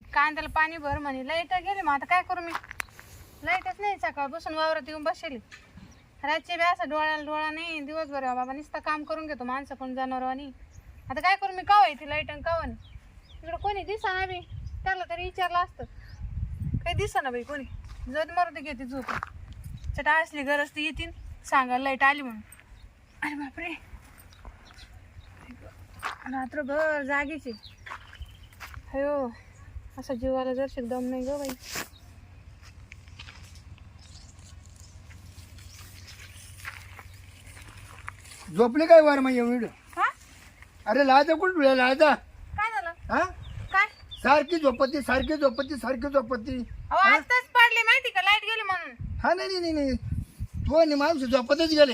कांद्याला पाणी भर म्हणे, लाईट गेली. मग आता काय करू मी? लाईटच नाही. सकाळपासून वावरात येऊन बसली. रातची बी असं डोळ्याला डोळा नाही, दिवसभर बाबा नुसतं काम करून घेतो माणसं पण जनावरांनी. आता काय करू मी? काव येते लाईट आणि कावा नाही. इकडं कोणी दिसा ना बी, त्याला तरी विचारलं असतं. काही दिसा ना बाई कोणी. जर मारुती घेते झोप. चटा असली गरज ती येतील सांगायला लाईट आली म्हणून. अरे बापरे, रात्रभर जागीचे. अयो, असं जीवाला जर दम नाही ग बाई. झोपले काय वार मग एवढं? हा? अरे लाजा कुठं लाजा? काय झालं? हा, काय? सारखी झोपती सारखी झोपती सारखी झोपती. अहो आताच पडले माहिती का, लाईट गेली म्हणून. हा नाही तो नाही माणूस झोपतच गेले.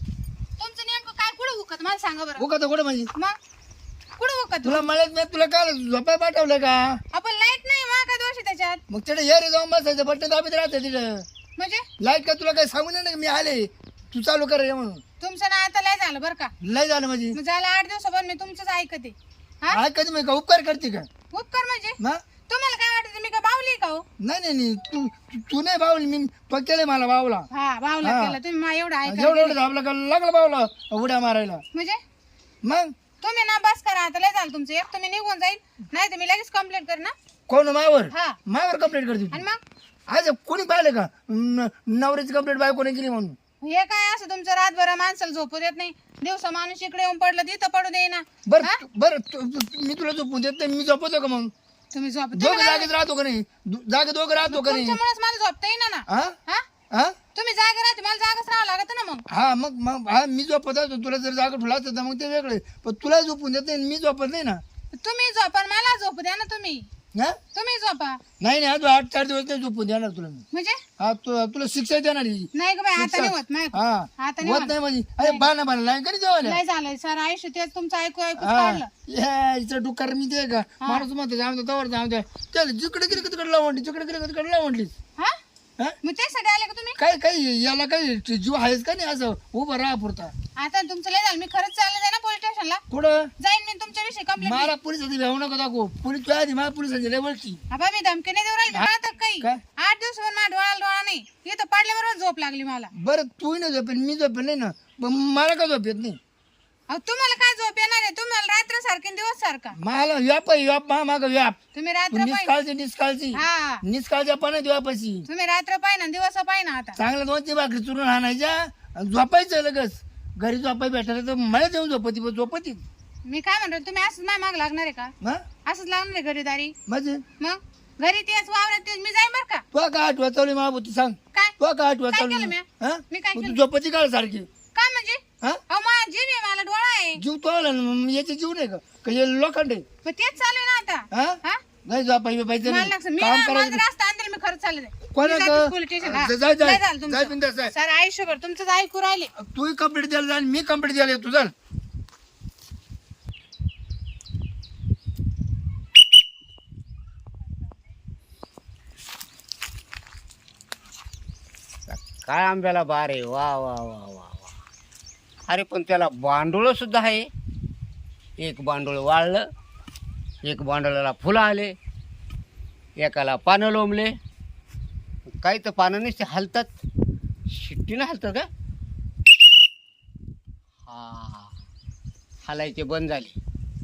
तुमचं नेमकं काय कुठं हुकत मला सांगा बरं. उका तर कुठं माझी मग कुठं हुकत? तुला म्हणत नाही, तुला काय झोपाय पाठवलं का? आपण लाईट नाही, मग काय दोष आहे त्याच्यात? मग तिथे ये रे जाऊन बसायचं, बट्टे दाबीत राहतं तिथं. म्हणजे लाईट का तुला काय सांगू नाही मी आले, तू चालू कर रे म्हणून. तुमचं ना आता लय झालं बरं का. लय झालं माझी. मग झालं 8 दिवसावर मी तुमचंच ऐकते. हा, हा कधी मी का उपकार करते का? उपकार म्हणजे ना तुम्हाला काय वाटतं मी काय बावली का हो? नाही तू नाही बावली, मी पक्केले मला बावला. हा, बावला हा. केला तुम्ही. मा एवढं ऐका एवढं धाबला का लागला बावला उड्या मारायला. म्हणजे मग तुम्ही ना बस करा आता, लय झालं तुमचं. एक तुम्ही निघून जाईल, नाही तर मी लगेच कंप्लेंट कर ना. कोण मावर हा, मावर कंप्लेंट करते आणि तू? मग आज कोणी पाहिलं का नवऱ्याची कंप्लेंट बाय कोणी केली म्हणून? हे काय असं तुमचं रातभर माणसाला झोपू देत नाही. दिवसा माणूस इकडे येऊन पडलं तिथं पडू दे ना. बरं मी तुला झोपून देत नाही, मी झोपतो का मग? तुम्ही झोप दोघं जागेत राहतो का नाही? जागे दोघं राहतो का नाही? तुमच्यामुळेच मला झोपता येईना ना. हा हा, हा तुम्ही जागा राहते, मला जागाच राहावं लागत ना. मग हा मग हा मी झोपत असतो, तुला जर जागा ठेवला असतं मग ते वेगळे. पण तुला झोपून देत नाही, मी झोपत नाही ना. तुम्ही झोपा, मला झोप द्या ना. तुम्ही हा तुम्ही झोपा. नाही आज 8-4 दिवस नाही झोपून देणार तुला मी. म्हणजे हा तुला शिक्षा देणार ही. नाही ग बाई, आता नाही होत. नाही हा आता नाही होत नाही माझी. अरे बाणा लाईन कधी जेवायला? लय झालंय सर आयुष्य, तेच तुमचं ऐकू ऐकू हा काढलं. यायचं डुक्कर मी ते का माणूस म्हणतो जाऊ दे तवर जाऊ दे, त्याला जिकडे गेली तिकडे लावून जिकडे गेली तिकडे लावून. हा, हा मग त्यासाठी आले का तुम्ही? काय याला काही जीव आहेच का नाही असं उभं राहा पुरता? आता तुमचं लय झालं, मी खरंच चालले जाय ना पोलीस स्टेशनला. कुठं? जाईन मी तुमच्याविषयी कंप्लेंट. मला पोलिसांची भेऊ नको दाखव. पोलीस तुझ्या आधी मला पोलिसांची लेवलची. अबा मी धमकी नाही देऊ राहिली आता काही. काय? 8 दिवसावर माझ्या डोळा डोळा नाही, इथं पडल्याबरोबर झोप लागली मला. बरं तू नाही झोपेल, मी झोपेल नाही ना, पण मला का झोप येत नाही? अहो तुम्हाला काय झोप येणार आहे? तुम्हाला रात्र सारखी दिवस सारखा. मला व्याप माग व्याप. तुम्ही रात्र पाहिजे. निष्काळजी हा, निष्काळच्या पण व्यापाशी. तुम्ही रात्र पाहिजे दिवस पाहिजे आता. चांगलं 2-3 भाकरी चुरून आणायच्या आणि झोपायचं लगेच. घरी झोपाय भेटायला तर मला देऊन झोपती. मी काय म्हणतो, तुम्ही असंच माझ्या माग लागणार आहे का? हा असंच लागणार आहे घरीदारी? म्हणजे मग घरी तेच वावरात तेच मी जाईन बर का. तुला काय आठवत चालली मला तू सांग? काय तुला काय आठवत काय चालली? केलं मी? हा मी काय मग केलं? तू झोपती काळ सारखी? काय म्हणजे? हा अहो माझा जीव आहे, मला डोळा आहे. जीव तो आला ना, याचे जीव नाही का हे लोखंड आहे? पण तेच चालू आहे ना आता. हा हा, नाही झोपाय पाहिजे मला नाही, लागतं. मी काम ना, मला करायचं. जर असतं आणलं मी खरंच चालले जाईल. कोणा मी जाते पोलीस स्टेशन. हा, जाय लय झालं तुमचं. जाय बिंदास जाय. सर आयुष्यभर तुमचंच ऐकू राहिले. तू कंप्लीट द्यायला जा आणि मी कंप्लीट द्यायला येतो. चल काय आंब्याला बार आहे. वा वा वा वा वा. अरे पण त्याला बांडोळं सुद्धा आहे. एक बांडोळ वाळलं, एक बांडोळाला फुलं आले, एकाला पानं लोंबले. काही तर पानं नसते हलतात, शिट्टीनं हलतात का? हा, हलायचे बंद झाले.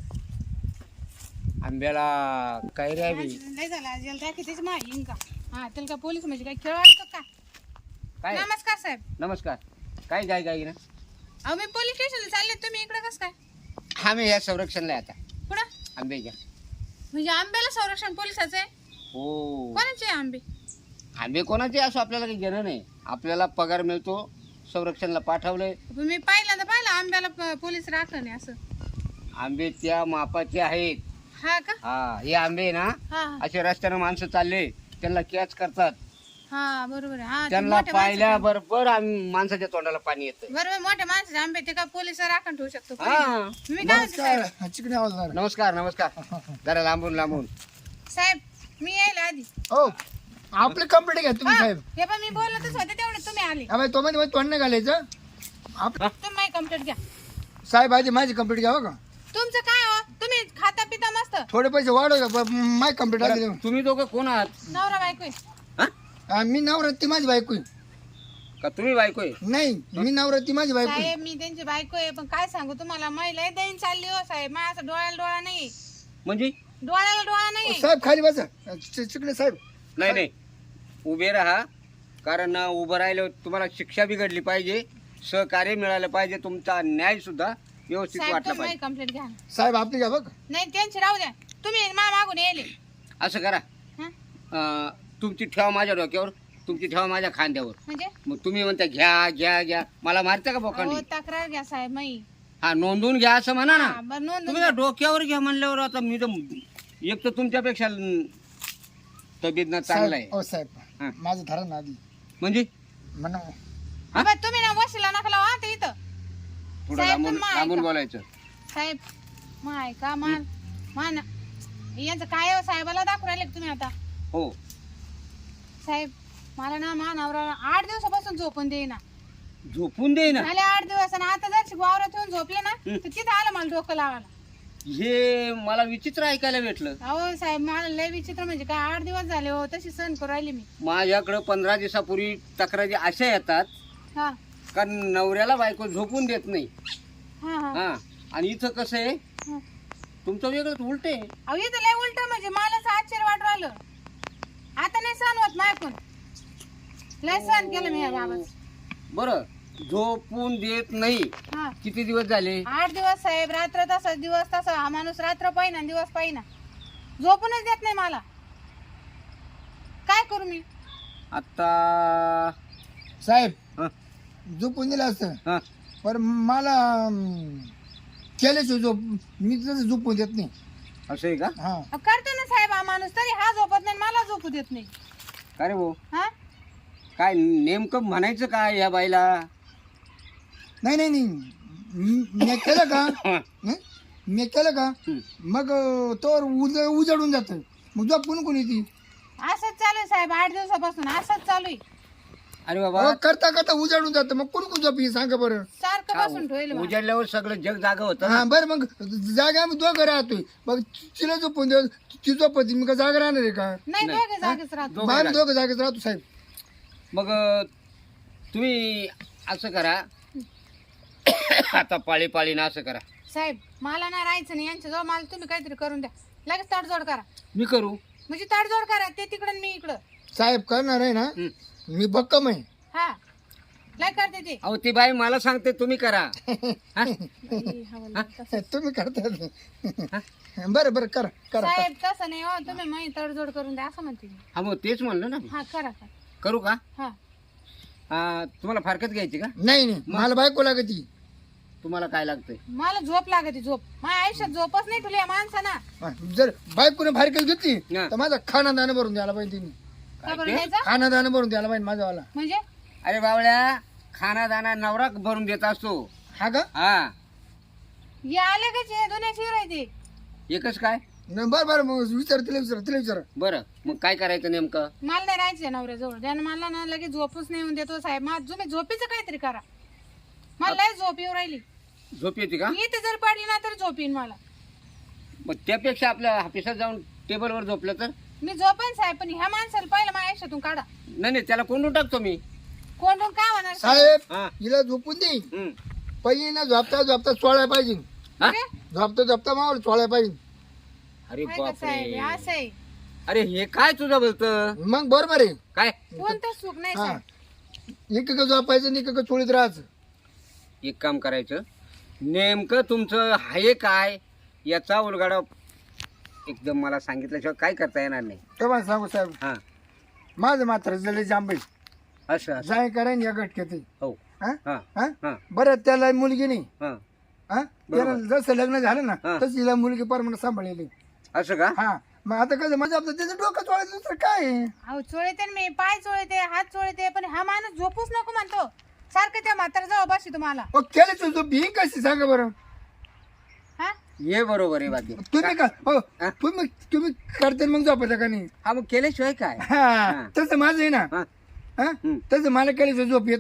आंब्याला काय रे बी लय झालं आज याला कितीच माहिती का? हा, त्याला काय पोलीस म्हणजे काय खेळ वाटतो का? काय? नमस्कार साहेब. नमस्कार. काय गाय गाय ना? अहो मी पोलीस स्टेशनला चालले, तुम्ही इकडे कसं काय? आम्ही या संरक्षणला आहे आता कुठं? आंब्याच्या. म्हणजे आंब्याला संरक्षण पोलिसाचं आहे? हो. कोणाचे आहे आंबे? आंबे कोणाचे असो आपल्याला काही घेणं नाही. आपल्याला पगार मिळतो, संरक्षणला पाठवलंय. मी पहिल्यांदा पाहिलं आंब्याला पोलीस राखलं नाही असं. आंबे त्या मापाचे आहेत. हा का? हा, हे आंबे ना हा असे रस्त्यानं माणसं चालले त्यांना कॅच करतात. हा, बरोबर आहे. हा, ते त्यांना मोठ्या पाहिल्या बरोबर माणसाच्या तोंडाला पाणी येतं. बरोबर, मोठ्या माणसाचे आंबे ते का पोलीस राखण ठेवू शकतो? हा. मी काय म्हणते साहेब? चिकणी आवाज आला. नमस्कार नमस्कार. जरा लांबून लांबून. साहेब मी यायला आधी. हो आपली कंप्लीट घ्या तुम्ही साहेब. हे पण मी बोलतच होते तेवढे तुम्ही आले. हा बाई तो मध्ये तोंड नाही घालायचं. तुम्ही माझी कंप्लेंट घ्या. साहेब आधी माझी कंप्लीट घ्यावं का? तुमचं काय हो तुम्ही खाता पिता मस्त थोडे पैसे वाढव माय कम्प्लीट बरं, आले तुम्ही दोघं कोण आहात? नवरा बायको आहे. हा? मी नवरा ती माझी बायको आहे. का तुम्ही बायको आहे? नाही मी नवरा ती माझी बायको आहे. साहेब मी त्यांची बायको आहे पण काय सांगू तुम्हाला महिला दैन चालली हो साहेब माझ्या असं डोळ्याला डोळा नाही म्हणजे डोळ्याला डोळा नाही साहेब खाली बसा चिकले साहेब. नाही नाही उभे राहा, कारण उभं राहिलं तुम्हाला शिक्षा बिघडली पाहिजे, सहकार्य मिळालं पाहिजे, तुमचा न्याय सुद्धा व्यवस्थित साहेब वाटला तुम्ही पाहिजे. कंप्लेंट घ्या साहेब आपली घ्या बघ. नाही त्यांची राहू द्या तुम्ही मा मागून येले असं करा, तुमची ठेवा माझ्या डोक्यावर, तुमची ठेवा माझ्या खांद्यावर. म्हणजे मग तुम्ही म्हणता घ्या घ्या घ्या, मला मारता का अहो बोकांडी? तक्रार घ्या साहेब मी हा नोंदवून घ्या असं म्हणा ना. हा, बरं नोंद तुम्ही का डोक्यावर घ्या म्हणल्यावर आता मी तर एक तर तुमच्यापेक्षा तब्येत ना चांगला आहे. साहेब ओ साहेब हा. माझं धरण आधी म्हणजे म्हणा तुम्ही ना वशीला नका लावा ते इथं थोडं साहेब, लांबून पण मग लांबून ऐका. बोलायचं. साहेब मग ऐका मान यांचं काय हो साहेबाला दाखवून राहिले का तुम्ही आता हो साहेब मला ना मा नवरा 8 दिवसापासून झोपून देईना झोपून दे ना. झाले 8 दिवस आणि आता जर वावरात येऊन झोपले ना तर तिथं आलं मला डोकं लावायला. हे मला विचित्र ऐकायला भेटलं. अहो साहेब मला लय विचित्र म्हणजे काय 8 दिवस झाले हो तशी सहन करू राहिली मी. माझ्याकडं 15 दिवसापूर्वी तक्रारी अशा येतात हा का नवऱ्याला बायको झोपून देत नाही. हा हा हा आणि इथं कसं आहे हा. तुमचं वेगळंच उलट आहे. अहो इथं लय उलट म्हणजे मलाच आश्चर्य वाटू राहिलं. आता नाही सहन होत माझ्याकडून लय सहन केलं मी या बाबाच. बरं झोपून देत नाही हा किती दिवस झाले? 8 दिवस साहेब रात्र तसा दिवस तसा हा माणूस रात्र पाहिना दिवस पाहिना झोपूनच देत नाही मला. काय करू मी आता साहेब हा, झोपून दिलं असतं हा. पण मला केल्याशिवाय झोप मी तसं झोपून देत नाही. असं आहे का? हा करतो ना साहेब हा माणूस तरी हा झोपत नाही मला झोपू देत नाही. काय रे भाऊ, हा काय नेमकं म्हणायचं काय या बाईला? नाही नाही नाही मी केलं का हं, हं? मी केलं का हं. मग तोवर उजडून जातं मग झोपून कोणी ती असंच चालू आहे साहेब 8 दिवसापासून असंच चालू आहे. अरे बाबा करता करता उजाडून जातं मग कोण कोण झोपी सांगा बरं. सारखं बसून ठेवलं मला. उजाडल्यावर सगळं जग जागा होतं. हा बरं मग जागा आम्ही दोघं राहतोय मग तिला झोपून देऊ ती झोपती मी का जागा राहणार आहे का. नाही नाही. दोघे जागेच राहतो. दोघं आम्ही राहतो. दोघं जागेत राहतो साहेब. मग तुम्ही असं करा आता पाळी पाळीनं असं करा. साहेब मला ना राहायचं नाही यांच्या जवळ मला तुम्ही काहीतरी करून द्या लगेच तडजोड करा मी करू. म्हणजे तडजोड करा ते तिकडं आणि मी इकडं. साहेब करणार आहे ना हं. मी भक्कम आहे. हा लय करते ते. अहो ती बाई मला सांगते तुम्ही करा. हा? बाई, हवालदार तसं. तुम्ही करता बरं बरं करा करा साहेब तसं नाही हो तुम्ही माझी तडजोड करून द्या असं म्हणते मी. हा मग तेच म्हणलं ना मी. हा करा करा करू का? हा तुम्हाला फारकत घ्यायची का? नाही नाही मला बायको लागती. तुम्हाला काय लागतंय? मला झोप लागते झोप माझ्या आयुष्यात झोपच नाही तुला या माणसाना. जर बायकोने फारकत घेतली हा. तर माझा खाना दाणं भरून द्यायला पाहिजे तिने. का बरं ते? द्यायचं खाना दाणं भरून द्यायला पाहिजे माझावाला. म्हणजे अरे बावळ्या, खाना दाना नवरा भरून देत असतो. हा का हा हे आले का जे दोन्ही शिवर आहे ते. एकच काय? बरं बरं मग विचार तिला विचार. बरं मग काय करायचं नेमकं? मला नाही राहायचं नवऱ्याजवळ त्यानं मला ना लगेच झोपच नाही येऊन देतो साहेब माझं तुम्ही झोपेचं काहीतरी करा. मला लय झोप येऊ राहिली. झोप येते का? मी इथे जर पडली ना तर झोप येईन मला. मग त्यापेक्षा आपल्या ऑफिसात जाऊन टेबलवर झोपलं तर? मी झोपेन साहेब पण ह्या माणसाला पहिलं माझ्या आयुष्यातून काढा. नाही नाही त्याला कोंडून टाकतो मी. कोण काय होणार साहेब हा. हिला झोपून दे हं. पहिले ना झोपता झोपता चोळायला पाहिजे. हा? झोपता झोपता मावळ चोळायला पाहिजे. अरे काय का साहेब बापरे, असं आहे अरे हे काय तुझं बोलतं मग बरोबर आहे. काय? कोणतं सुख नाही हा साहेब. एक झोपायचं आणि एक चोळीत राहायचं. एक काम करायचं, नेमकं तुमचं आहे काय याचा उलगाडा एकदम मला सांगितल्याशिवाय काय करता येणार नाही. तेव्हा सांगू साहेब हा माझं मात्र झालं जांभई असं असं. जाय करायन या गटक्यात. हो हा हा हा हा बरं त्याला मुलगी नाही. हा हा त्याला जसं लग्न झालं ना हा. तशी हिला मुलगी परमनंट सांभाळलेली. असं का? हा मग आता कसं म्हणजे आपलं त्याचं डोकं चोळायचं दुसरं काय आहे? अहो चोळते ना मी पाय चोळते हात चोळते पण हा माणूस झोपूच नको म्हणतो सारखं त्या म्हातारा जवळ बसतो तुम्हाला. मग केलं तू भी कशी सांगा बरं. हा हे बरोबर आहे बाकी. तुम्ही का हो हा? तुम्ही करते मग झोपायचं का नाही. हा मग केल्याशिवाय काय? हा तसं माझं आहे ना. हा हा हं. तसं मला केल्याचं झोप येत नाही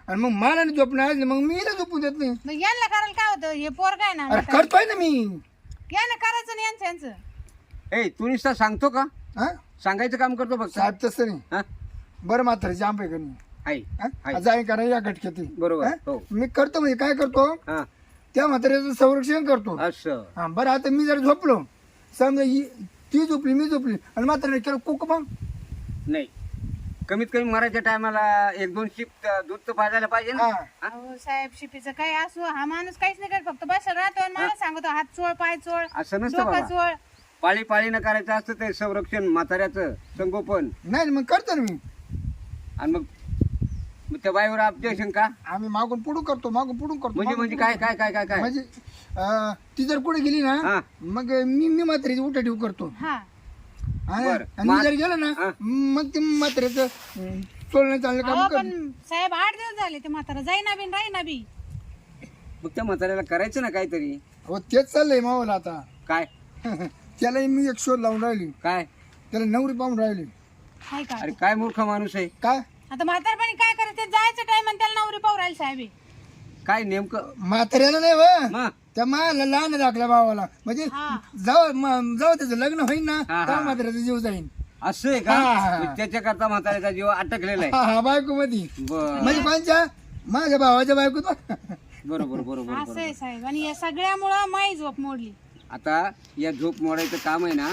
आणि मग मला नाही झोपणार आज मग मी हिला झोपून देत नाही. मग यांना करायला काय होतं हे पोर काय ना अरे करतोय ना मी. यांना करायचं नाही यांचं ए तू नुसता सांगतो का हा सांगायचं काम करतो फक्त साहेब तसं नाही. हा बरं म्हातारीची आंबे करणे आहे जाय करा या घटक्यात बरोबर हा? हो मी करतो म्हणजे काय करतो हा त्या म्हाताऱ्याचं संरक्षण करतो. असं हा बरं आता मी जर झोपलो समजा ती झोपली मी झोपली आणि म्हाताऱ्याने केलं कुक मग नाही कमीत कमी मरायच्या टायमाला 1-2 शिप दूध तर पाजायला पाहिजे ना हा. अहो साहेब शिपीचं काय असो हा माणूस काहीच नाही करत फक्त बस राहतो आणि मला सांगतो हात चोळ पाय चोळ असं नसतं डोका बाबा चोळ. पाळी पाळीनं करायचं असतं ते संरक्षण म्हाताऱ्याचं संगोपन नाही मग करतो ना मी. आणि मग त्या बाईवर ऑब्जेक्शन का आम्ही मागून पुढून करतो मागून पुढून करतो म्हणजे मागून म्हणजे पुढून काय काय काय काय काय म्हणजे ती जर कुठे गेली ना हा मग मी म्हातारीची उठा ठेव करतो. हा हा ना? बरं. आणि मी जर गेलो ना हा. मग ते म्हाताऱ्याचं चोळणं चाललं अहो काम पण साहेब 8 दिवस झाले ते म्हातारा जाईना बिन राहीना बी. मग त्या म्हाताऱ्याला करायचं ना काहीतरी हो तेच चाललंय मावाला आता. काय त्याला मी एक शोध लावून राहिली काय त्याला नवरी पाहून राहिली. हाय का अरे काय मूर्ख माणूस आहे काय आता म्हातारपणी काय करायचं जायचं टाइम आणि त्याला नवरी पाहू राहील साहेब हे. काय नेमकं म्हाताऱ्याला नाही व मग त्या माला लहान दाखल्या भावाला म्हणजे हा. जाऊ त्याचं लग्न होईन ना हा, हा. तेव्हा म्हाताऱ्याचा जीव जाईन. असं आहे का हा. मग त्याच्याकरता म्हाताऱ्याचा जीव अटकलेला आहे हा बायको मध्ये बर म्हणजे कोणच्या माझ्या भावाच्या बायकोत. बरोबर बरोबर असं बरोबर आहे साहेब आणि या सगळ्यामुळं माई झोप मोडली. आता या झोप मोडायचं काम आहे ना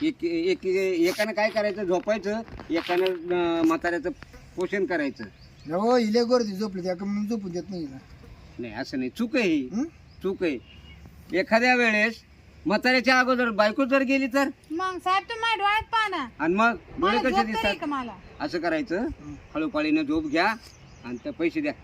एकानं काय करायचं झोपायचं एकानं म्हाताऱ्याचं पोषण करायचं. हो हिले गर्दी झोपली त्या मी झोपून देत नाही हिला. नाही असं नाही चूक आहे ही हं? चूक आहे एखाद्या वेळेस म्हाताऱ्याच्या अगोदर बायको जर गेली तर मग साहेब तुम्ही माझ्या डोळ्यात पाहा ना आणि मग डोळे मला कसे झोप तरी दिसतात का मला. असं करायचं हळूपाळीनं झोप घ्या आणि ते पैसे द्या.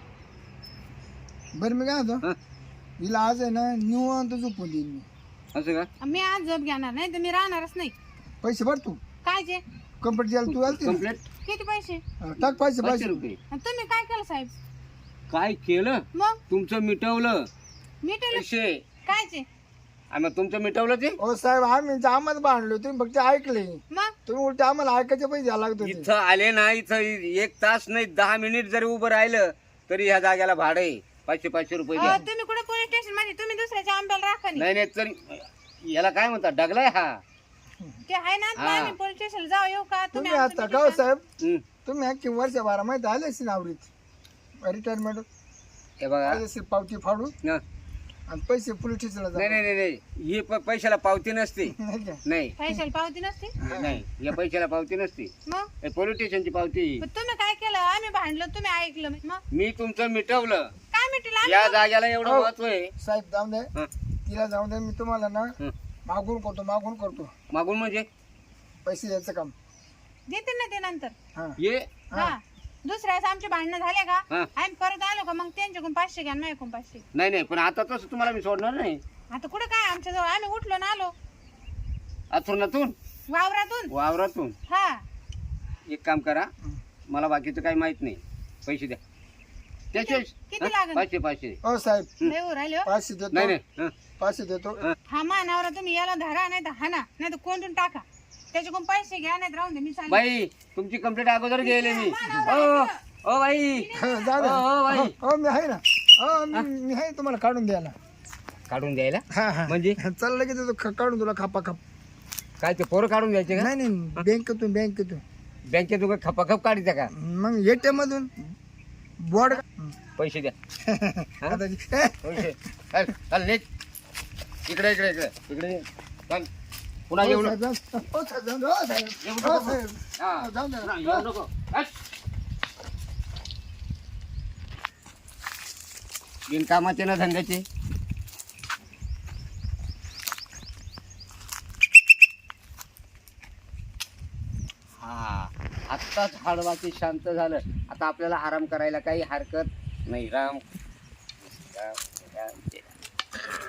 बरं मी काय होतो हं? हिला आज आहे ना निवांत झोपून देईन मी. असं का मी आज झोप घेणार नाही तर मी राहणारच नाही. पैसे भर तू काय जे कंपनी द्यायला तू आलती ना? कम्प्लेट किती पैसे टाक पैसे 500 पैसे रुपये आणि तुम्ही काय केलं साहेब काय केलं मग तुमचं मिटवलं मिटेल पैसे कायचे आणि मग तुमचं मिटवलं ते हो साहेब आम्ही आम्हाला बांधलो तुम्ही फक्त ऐकले मग तुम्ही उलटे आम्हाला ऐकायचे पैसे द्यायला लागत होते. इथं आले ना इथं 1 तास नाही 10 मिनिट जरी उभं राहिलं तरी ह्या जाग्याला भाडं आहे 500 रुपये द्या. तुम्ही कुठे पोलीस स्टेशन मध्ये तुम्ही दुसऱ्याच्या आंब्याला राखा नाही. नाही नाही तरी याला काय म्हणतात डगलाय हा ते आहे ना हा. आम्ही पोलीस स्टेशन जाऊ येऊ का तुम्ही आमचं आता meeting का हो करा. साहेब हं. तुम्ही अख्खी वर्ष बारा माहिती आले असेल आवडीत रिटायरमेंट हे बघा आले असेल पावती फाडून न. आणि पैसे पोलीस स्टेशनला नाही नाही नाही नाही ही पैशाला पावती नसते नाही का? नाही पैशाला पावती नसते नाही या पैशाला पावती नसते मग हे पोलीस स्टेशनची पावती पण तुम्ही काय केलं आम्ही भांडलो तुम्ही ऐकलं मग मी तुमचं मिटवलं काय मिटेल या जाग्याला एवढं हो. महत्व आहे साहेब जाऊन दे हं. तिला जाऊन दे मी तुम्हाला ना हं. मागून करतो मागून म्हणजे पैसे द्यायचं काम. देते ना ते नंतर हा ये हा दुसऱ्या वेळेस आमचे भांडणं झाले का हा. आम्ही परत आलो का मग त्यांच्याकडून 500 घ्या माझ्याकडून 500. नाही नाही पण आता तसं तुम्हाला मी सोडणार नाही आता कुठं काय आमच्या जवळ आम्ही उठलो ना आलो अथुरणातून वावरातून वावरातून हा एक काम करा मला बाकीचं काही माहित नाही पैसे द्या त्याचे किती लागेल? 500 हो साहेब लय वर राहिले हो. पाचशे नाही देतो नाही हं. पाचशे देतो हा मानावर तुम्ही याला धरा नाही तर हाना नाही तर कोंडून टाका त्याच्याकडून पैसे घ्या नाही राहून दे मी चालले. बाई तुमची कंप्लेंट अगोदर गेले मी ओ बाई जा दे. हो, बाई. हो मी आहे ना हो मी आहे तुम्हाला काढून द्यायला. काढून द्यायला हा हा म्हणजे चाललं की देतो काढून तुला खापा खाप. काय ते पोरं काढून द्यायचे का नाही नाही बँकेतून बँकेत उगा खपाखप काढायचं का मग एटीएम मधून बोर्ड पैसे द्या आता पैसे चल चल निघ. इकडे इकडे इकडे इकडे चल पुन्हा येऊ नको येऊ नको. हा. पुन्हा येऊ नको हट. बिनकामाचे ना धंद्याचे हा आत्ताच हाडवाची शांत झालं आता आपल्याला आराम करायला काही हरकत नाही राम राम राम जय राम.